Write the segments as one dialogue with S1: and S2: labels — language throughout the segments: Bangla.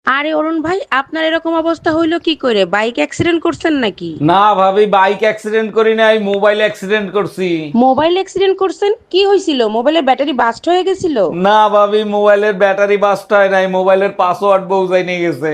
S1: আরে অরুণ ভাই, আপনার এরকম অবস্থা হইলো কি করে? বাইক অ্যাক্সিডেন্ট করছেন নাকি?
S2: না ভাবি, বাইক অ্যাক্সিডেন্ট করি নাই, মোবাইল অ্যাক্সিডেন্ট করছি।
S1: মোবাইল অ্যাক্সিডেন্ট করছেন? কি হয়েছিল? মোবাইলের ব্যাটারি বাস্ট হয়ে গেছিল?
S2: না ভাবি, মোবাইলের ব্যাটারি বাস্ট হয় নাই, মোবাইলের পাসওয়ার্ড বউজাই নিয়ে গেছে।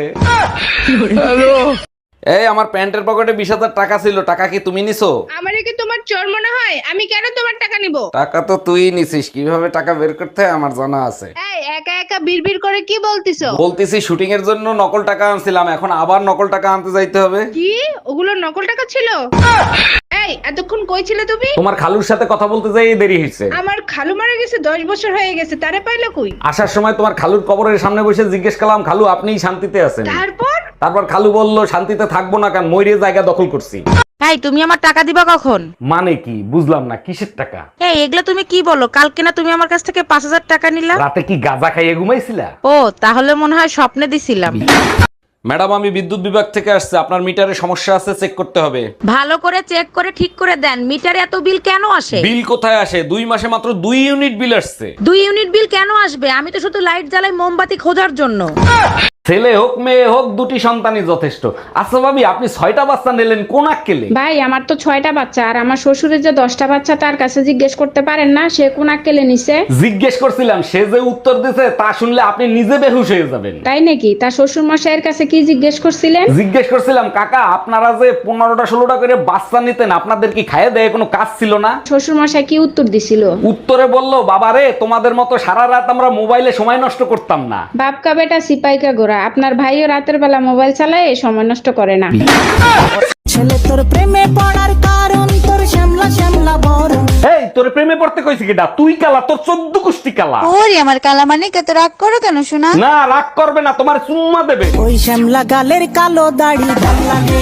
S2: এই আমার প্যান্টের পকেটে 20,000 টাকা ছিল, টাকা কি তুমি নিছো?
S3: আমারে কি তোমার চোর মনে হয়? আমি কেন তোমার টাকা নিব?
S2: টাকা তো তুই নিছিস, কিভাবে টাকা বের করতে হয় আমার জানা আছে।
S3: এই একা একা বিড়বিড় করে কি বলতিছো?
S2: বলতেছি শুটিং এর জন্য নকল টাকা আনছিলাম, এখন আবার নকল টাকা আনতে যাইতে হবে।
S3: কি ওগুলো নকল টাকা ছিল? এই এতক্ষণ কই ছিলে তুমি?
S2: তোমার খালুর সাথে কথা বলতে যাই দেরি হয়েছে।
S3: আমার খালু মারা গেছে, 10 বছর হয়ে গেছে, তারে পাইলো কই?
S2: আসার সময় তোমার খালুর কবরের সামনে বসে জিজ্ঞেস করলাম, খালু আপনিই শান্তিতে আছেন? তারপর খালু বলল, শান্তিতে থাকবো না কেন, ময়ূরের জায়গা দখল করছি।
S1: এই তুমি আমার টাকা দিবা কখন?
S2: মানে কি বুঝলাম না, কিসের টাকা?
S1: এই এগুলা তুমি কি বলো? কালকে না তুমি আমার কাছ থেকে 5,000 টাকা নিলা?
S2: রাতে কি গাঁজা খাইয়ে ঘুমাইছিলা?
S1: ও তাহলে মনে হয় স্বপ্নে দিছিলাম।
S2: ম্যাডাম, আমি বিদ্যুৎ বিভাগ থেকে আসছে, আপনার মিটারে সমস্যা আছে, চেক করতে হবে।
S1: ভালো করে চেক করে ঠিক করে দেন। মিটারে এত বিল কেন আসে?
S2: বিল কোথায় আসে? 2 মাসে মাত্র 2 ইউনিট বিল আসছে।
S1: 2 ইউনিট বিল কেন আসবে? আমি তো শুধু লাইট জ্বালাই মোমবাতি খোঁজার জন্য।
S2: ছেলে হোক মেয়ে হোক, 2টি সন্তানই যথেষ্ট। আচ্ছা ভাবি, আপনি 6টা বাচ্চা নিলেন, কোন আক্কেলে?
S4: ভাই আমার তো 6টা বাচ্চা, আর আমার শ্বশুরের যে 10টা বাচ্চা, তার কাছে জিজ্ঞেস করতে পারেন না সে কোন আক্কেলে নিছে?
S2: জিজ্ঞেস করছিলাম, সে যে উত্তর দিছে তা শুনলে আপনি নিজে বেহুশ হয়ে যাবেন।
S4: তাই নাকি? তার শ্বশুর মশাইয়ের কাছে কি জিজ্ঞেস করছিলেন?
S2: জিজ্ঞেস করছিলাম, কাকা আপনারা যে 15টা 16টা করে বাচ্চা নিতেন, আপনাদের কি খাইয়ে দেয় কোনো কাজ ছিল না?
S4: শ্বশুর মশাই কি উত্তর দিছিল?
S2: উত্তরে বললো, বাবারে তোমাদের মতো সারা রাত আমরা মোবাইলে সময় নষ্ট করতাম না।
S4: বাপকা বেটা সিপাইকা গোরা, আপনার ভাইও রাতের বেলা মোবাইল চালায়, সময় নষ্ট করে না।
S5: ছেলে তোর প্রেমে পড়ার কারণ তোর শ্যামলা শ্যামলা বড়।
S2: এই তোর প্রেমে পড়তে কইছি কিডা? তুই কালা, তোর 14 কুষ্টি কালা।
S6: ওরে আমার কালা মানে কত রাগ করো কেন শোনা?
S2: না রাগ করবে না, তোমার চুম্মা দেবে।
S5: ওই শ্যামলা গালের কালো দাড়ি ভাল লাগে।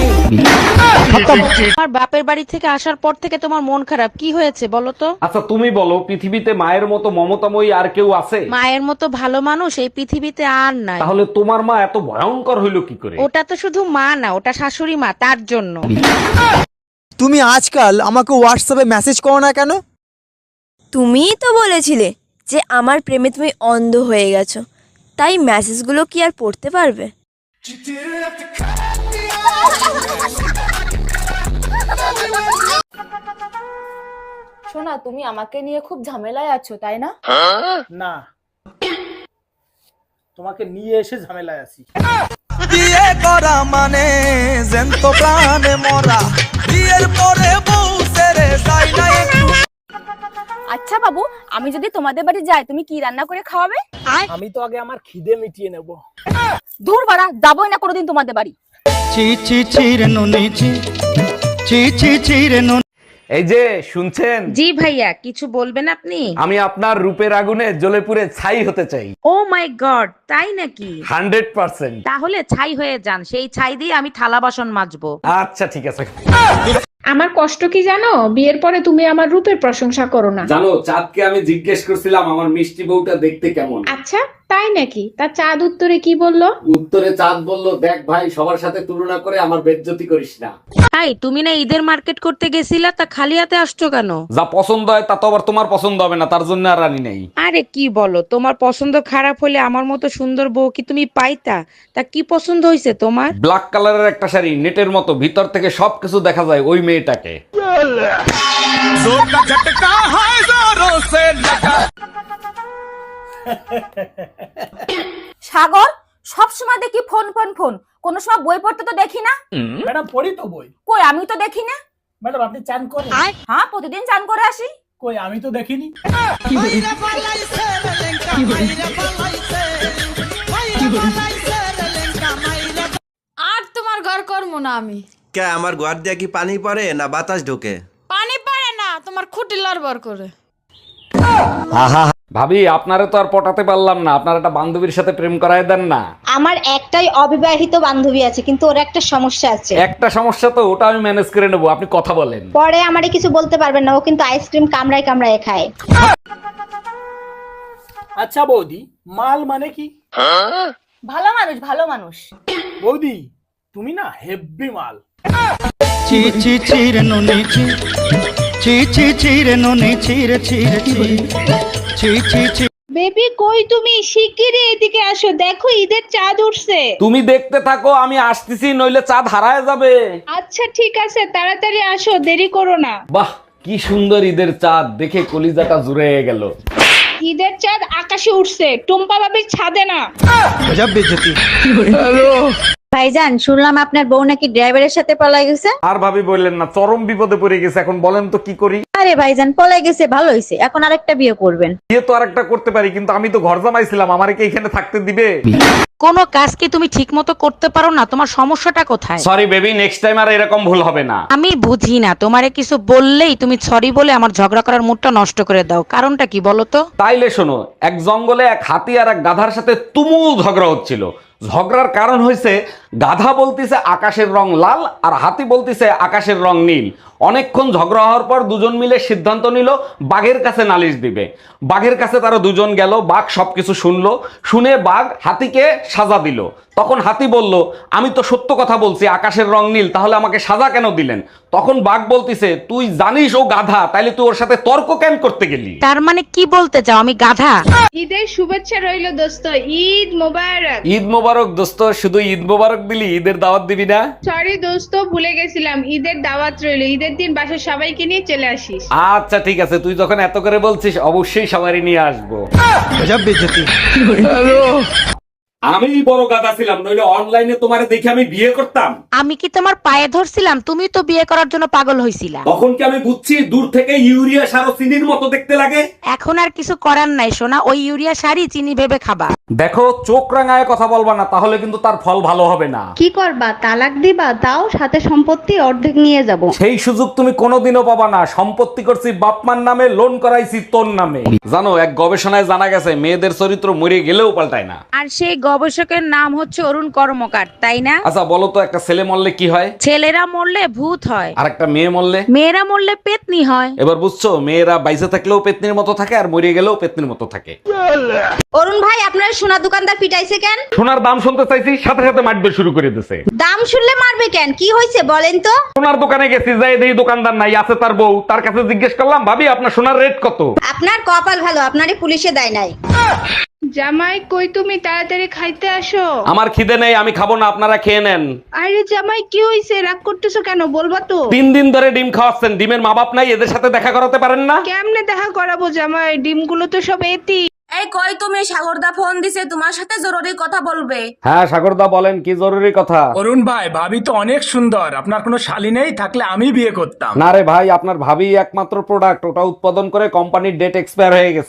S1: আমার বাপের বাড়ি থেকে আসার পর থেকে তোমার মন খারাপ, কি হয়েছে বলো তো?
S2: আচ্ছা তুমি বলো, পৃথিবীতে মায়ের মতো মমতাময়ী আর কেউ আছে?
S1: মায়ের মতো ভালো মানুষ এই পৃথিবীতে আর নাই।
S2: তাহলে তোমার মা এত ভয়ঙ্কর হইলো কি করে?
S1: ওটা তো শুধু মা না, ওটা শাশুড়ি মা, তার জন্য।
S7: তুমি আজকাল আমাকে হোয়াটসঅ্যাপে মেসেজ করো না কেন?
S6: তুমিই তো বলেছিলে যে আমার প্রেমে তুমি অন্ধ হয়ে গেছো, তাই মেসেজগুলো কি আর পড়তে পারবে?
S8: শোনা, তুমি আমাকে নিয়ে খুব ঝামেলায় আছো তাই না?
S9: না, তোমাকে নিয়ে এসে ঝামেলায় আছি।
S7: বিয়ে করা মানে জ্যান্ত প্রাণে মরা, বিয়ের পরে বউ ছেড়ে যায় না একটু।
S8: আচ্ছা বাবু, আমি যদি তোমাদের বাড়ি যাই তুমি কি রান্না করে খাওয়াবে?
S9: আমি তো আগে আমার খিদে মিটিয়ে নেব।
S8: দূর বাড়া, যাবোই না কোনোদিন তোমাদের বাড়ি।
S7: চি চি চি রে নুনি চি, চি চি চি রে নুনি।
S2: এই যে শুনছেন,
S1: জি ভাইয়া, কিছু বলবেন আপনি?
S2: আমি আপনার রূপের আগুনে জ্বলে পুড়ে ছাই হতে চাই।
S1: ও মাই গড, তাই নাকি?
S2: 100%।
S1: তাহলে ছাই হয়ে যান, সেই ছাই দিয়ে আমি থালা বাসন মাজবো।
S2: আচ্ছা ঠিক আছে।
S4: আমার কষ্ট কি জানো? বিয়ের পরে তুমি আমার রূপের প্রশংসা করো না।
S2: জানো, চাঁদকে আমি জিজ্ঞেস করছিলাম আমার মিষ্টি বউটা দেখতে কেমন।
S4: আচ্ছা তাই নাকি? তা চাঁদ উত্তরে কি বললো?
S2: উত্তরে চাঁদ বলল, দেখ ভাই, সবার সাথে তুলনা করে আমার বেজ্জতি করিস না।
S1: তাই তুমি না ঈদের মার্কেট করতে গেছিলা, তা খালি হাতে আসছো কেন?
S2: যা পছন্দ হয় তা তো আবার তোমার পছন্দ হবে না, তার জন্য আর আনি নাই।
S1: আরে কি বলো, তোমার পছন্দ খারাপ হলে আমার মতো সুন্দর বউ কি তুমি পাইতা? তা কি পছন্দ হয়েছে তোমার?
S2: ব্ল্যাক কালারের একটা শাড়ি, নেটের মতো, ভিতর থেকে সবকিছু দেখা যায়, ওই মেয়েটাকে।
S8: সাগর, সব সময় দেখি ফোন ফোন ফোন, কোনো সময় বই পড়তে তো দেখি না।
S9: ম্যাডাম পড়ি তো বই।
S8: কই, আমি তো দেখি না।
S9: ম্যাডাম আপনি চান করেন?
S8: হ্যাঁ, প্রতিদিন চান করে আসি।
S9: কই আমি তো দেখিনি।
S3: আর তোমার ঘর করবো না আমি।
S10: কে আমার ঘর দিয়ে কি পানি পড়ে না বাতাস ঢোকে?
S3: পানি পারে না, তোমার খুঁটি লড়বড় করে।
S2: ভাবি, আপনারে তো আর পটাতে পারলাম না, আপনার একটা বান্ধবীর সাথে প্রেম করায় দেন না।
S11: আমার একটাই অবিবাহিত বান্ধবী আছে, কিন্তু ওর একটা সমস্যা আছে।
S2: একটা সমস্যা তো, ওটা আমি ম্যানেজ করে নেবো, আপনি কথা বলেন।
S11: পরে আমারে কিছু বলতে পারবেন না, ও কিন্তু আইসক্রিম কামড়ায় কামড়ায় খায়।
S9: আচ্ছা বৌদি, মাল মানে কি?
S8: ভালো মানুষ, ভালো মানুষ।
S9: বৌদি তুমি না হেব্বি মাল।
S7: চি চি চি রে নুনি চি, চি চি চি রে নুনি চি রে চি রে চি, চি চি চি।
S3: বেবি কই তুমি? শিগগিরই এদিকে আসো, দেখো ঈদের চাঁদ উঠছে।
S2: তুমি দেখতে থাকো, আমি আসতেছি, নইলে চাঁদ হারায় যাবে।
S3: আচ্ছা ঠিক আছে, তাড়াতাড়ি আসো, দেরি করো না।
S2: বাহ, কি সুন্দর ঈদের চাঁদ, দেখে কলিজাটা জুড়ে গেল।
S3: ঈদের চাঁদ আকাশে উঠছে, টুম্পা বাবির ছাদে না।
S11: ভাইজান, শুনলাম আপনার বউ নাকি ড্রাইভারের সাথে পলাই গেছে।
S2: আর ভাবি বললেন না, চরম বিপদে পড়ে গেছে। এখন বলেন তো কি করি?
S11: আরে ভাইজান, পলাই গেছে ভালো হয়েছে, এখন আরেকটা বিয়ে করবেন।
S2: বিয়ে তো আরেকটা করতে পারি, কিন্তু আমি তো ঘর জামাইছিলাম, আমারে কি এখানে থাকতে দিবে?
S1: কোনো কাজ কি তুমি ঠিক মতো করতে পারো না? তোমার সমস্যাটা কোথায়?
S2: সরি বেবি, নেক্সট টাইম আর এরকম ভুল হবে না।
S1: আমি বুঝি না, তোমারে কিছু বললেই তুমি সরি বলে আমার ঝগড়া করার মুডটা নষ্ট করে দাও। কারণটা কি বলো তো?
S2: তাইলে শোনো, এক জঙ্গলে এক হাতি আর এক গাধার সাথে তুমুল ঝগড়া হচ্ছিল। ঝগড়ার কারণ হয়েছে গাধা বলতিছে আকাশের রং লাল আর হাতি বলতিছে আকাশের রং নীল। অনেকক্ষণ ঝগড়া হওয়ার পর দুজন মিলে সিদ্ধান্ত নিল বাঘের কাছে নালিশ দিবে। বাঘের কাছে তারা দুজন গেল, বাঘ সবকিছু শুনলো, শুনে বাঘ হাতিকে সাজা দিল। তখন হাতি বলল, আমি তো সত্য কথা বলছি, আকাশের রং নীল, তাহলে আমাকে সাজা কেন দিলেন? তখন বাঘ বলতিছে, তুই জানিস ও গাধা, তাইলে তুই ওর সাথে তর্ক কেন করতে গেলি?
S1: তার মানে কি বলতে চাও আমি গাধা?
S3: ঈদের শুভেচ্ছা রইলো দোস্ত, ঈদ মোবারক।
S2: ঈদ মোবারক দোস্ত, শুধু ঈদ মোবারক দিলি, ঈদের দাওয়াত দিবি না?
S3: সরি দোস্ত, ভুলে গেছিলাম, ঈদের দাওয়াত রইলো, ঈদের দিন বাসার সবাইকে নিয়ে চলে আসিস।
S2: আচ্ছা ঠিক আছে, তুই যখন এত করে বলছিস অবশ্যই সবারই নিয়ে আসবো। আমি বড় গাধা ছিলাম, নইলে অনলাইনে তোমারে দেখে আমি বিয়ে করতাম।
S1: আমি কি তোমার পায়ে ধরছিলাম? তুমি তো বিয়ে করার জন্য পাগল হইছিলা।
S2: তখন কি আমি বুঝছি দূর থেকে ইউরিয়া সার ও চিনির মতো দেখতে লাগে?
S1: এখন আর কিছু করার নাই সোনা, ওই ইউরিয়া সারই চিনি ভেবে খাবা।
S2: দেখো, চোখ রাঙায় কথা বলবা না, তাহলে কিন্তু তার ফল ভালো হবে না।
S11: কি করবা, তালাক দিবা? তাও সাথে সম্পত্তি অর্ধেক নিয়ে যাব।
S2: সেই সুযোগ তুমি কোনোদিনও পাবা না। সম্পত্তি করছি বাপমার নামে, লোন করাইছি তোর নামে। জানো, এক গবেষণায় জানা গেছে মেয়েদের চরিত্র মরে গেলেও পাল্টায় না।
S1: আর সেই গবেষকের নাম হচ্ছে অরুণ কর্মকার, তাই না?
S2: আচ্ছা বলো তো, একটা ছেলে মরলে কি হয়?
S1: ছেলেরা মরলে ভূত হয়,
S2: আর একটা মেয়ে মরলে?
S1: মেয়েরা মরলে পেতনি হয়।
S2: এবার বুঝছো, মেয়েরা বাইসে থাকলেও পেতনির মতো থাকে আর মরে গেলেও পেতনির মতো থাকে।
S11: অরুণ ভাই, আপনার সোনা দোকানদার পিটাইছে কেন?
S2: সোনার দাম শুনতে চাইছি, সাথে সাথে মারবে শুরু করে দিছে।
S11: দাম শুনলে মারবে কেন? কি হয়েছে বলেন তো?
S2: সোনার দোকানে গেছি, যাই দেখি দোকানদার নাই, আছে তার বউ। তার কাছে জিজ্ঞেস করলাম, ভাবি আপনার সোনার রেট কত?
S11: আপনার কপাল ভালো, আপনারে পুলিশে দেয় নাই।
S3: জামাই কই তুমি? তাড়াতাড়ি খাইতে আসো।
S2: আমার খিদে নেই, আমি খাবো না, আপনারা খেয়ে নেন।
S3: আরে জামাই কি হইছে? রাগ করতেছো কেন? বলবা তো।
S2: 3 দিন ধরে ডিম খাওয়াচ্ছেন, ডিমের মা বাপ নাই, এদের সাথে দেখা করাতে পারেন না?
S3: কেমনে দেখা করাবো জামাই? ডিমগুলো তো সব এতি।
S8: এই কই তুমি? সাগরদা ফোন দিছে, তোমার সাথে জরুরি কথা বলবে।
S2: হ্যাঁ সাগরদা, বলেন, কি জরুরি কথা?
S9: অরুণ ভাই, ভাবি তো অনেক সুন্দর, আপনার কোনো শালী নেই? থাকলে আমি বিয়ে করতাম।
S2: না রে ভাই, আপনার ভাবি একমাত্র প্রোডাক্ট, ওটা উৎপাদন করে কোম্পানির ডেট এক্সপায়ার হয়ে গেছে।